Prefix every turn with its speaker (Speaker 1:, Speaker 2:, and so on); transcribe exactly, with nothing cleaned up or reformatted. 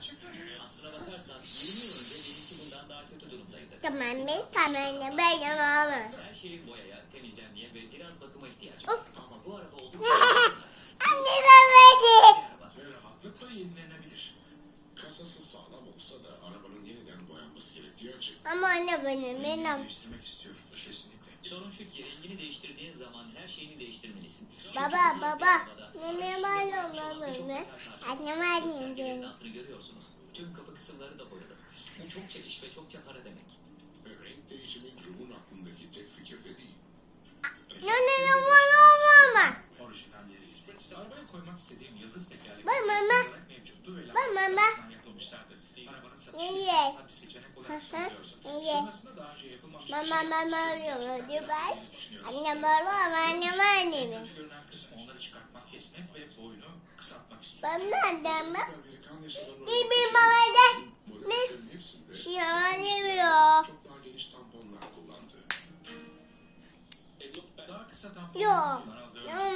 Speaker 1: gerçekten.
Speaker 2: Aslına bakarsan yirmi yıl önce benimki bundan daha kötü durumdaydı.
Speaker 3: Tamam bir tane böyle olur.
Speaker 2: Her şeyin boyaya, temizlenmeye ve biraz bakıma ihtiyacı
Speaker 3: Of.
Speaker 2: var. Ama bu araba oldukça
Speaker 3: Anne ben verdim.
Speaker 1: Ve rahatlıkla yenilenebilir. Kasası sağlam olsa da arabanın yeniden boyanması gerektiği açık.
Speaker 3: Ama anne benim
Speaker 1: Rengini
Speaker 3: benim.
Speaker 1: değiştirmek istiyorum. Kesinlikle.
Speaker 2: Sorun şu ki rengini değiştirdiğin zaman her şeyini değiştirmelisin. Çünkü
Speaker 3: Baba
Speaker 2: bu tarz bir
Speaker 3: baba.
Speaker 2: arabada
Speaker 3: Neme
Speaker 2: araç
Speaker 3: var
Speaker 2: içinde parça olan
Speaker 3: mı
Speaker 2: birçok
Speaker 3: mı?
Speaker 2: metal parça var.
Speaker 3: Annem
Speaker 2: Bu
Speaker 3: annem
Speaker 2: sergilerin
Speaker 3: diyor.
Speaker 2: altını görüyorsunuz. Tüm kapı kısımları da boyalı. Bu çok çekiş ve çokça para demek.
Speaker 1: Ve renk değişimi Drew'un aklındaki tek fikir de değil.
Speaker 3: Ne ne ne var mama.
Speaker 4: Orijinalleri İsveç'te arabaya koymak istediğim yıldız tekerlekli
Speaker 3: Bak mama.
Speaker 4: olarak mevcuttu ve
Speaker 3: Bak mama.
Speaker 4: laboratuvardan yapılmışlardı. Arabanın satışı
Speaker 3: İyi.
Speaker 4: esnasında bir seçenek olarak
Speaker 3: Hı hı.
Speaker 4: sunuluyorsa.
Speaker 3: İyi.
Speaker 4: Sonrasında daha önce yapılmamış bir
Speaker 3: Mama
Speaker 4: şey
Speaker 3: mama
Speaker 4: yapmak
Speaker 3: diyor
Speaker 4: gerçekten
Speaker 3: diyor bak.
Speaker 4: diye düşünüyoruz.
Speaker 3: Annem baba ama annem
Speaker 4: En
Speaker 3: annem.
Speaker 4: kötü görünen kısmı onları çıkartmak, kesmek ve boyunu kısaltmak istiyor.
Speaker 3: Ben nereden bak?
Speaker 1: Amerikan yasalarına
Speaker 3: Bir bir
Speaker 1: uygun
Speaker 3: babada.
Speaker 1: bu ölçülerin hepsinde
Speaker 3: Şey anlıyor.
Speaker 1: çok daha geniş tamponlar kullandı.
Speaker 4: Daha kısa tampon
Speaker 3: Yok.
Speaker 4: kullanıldığı
Speaker 3: Yok.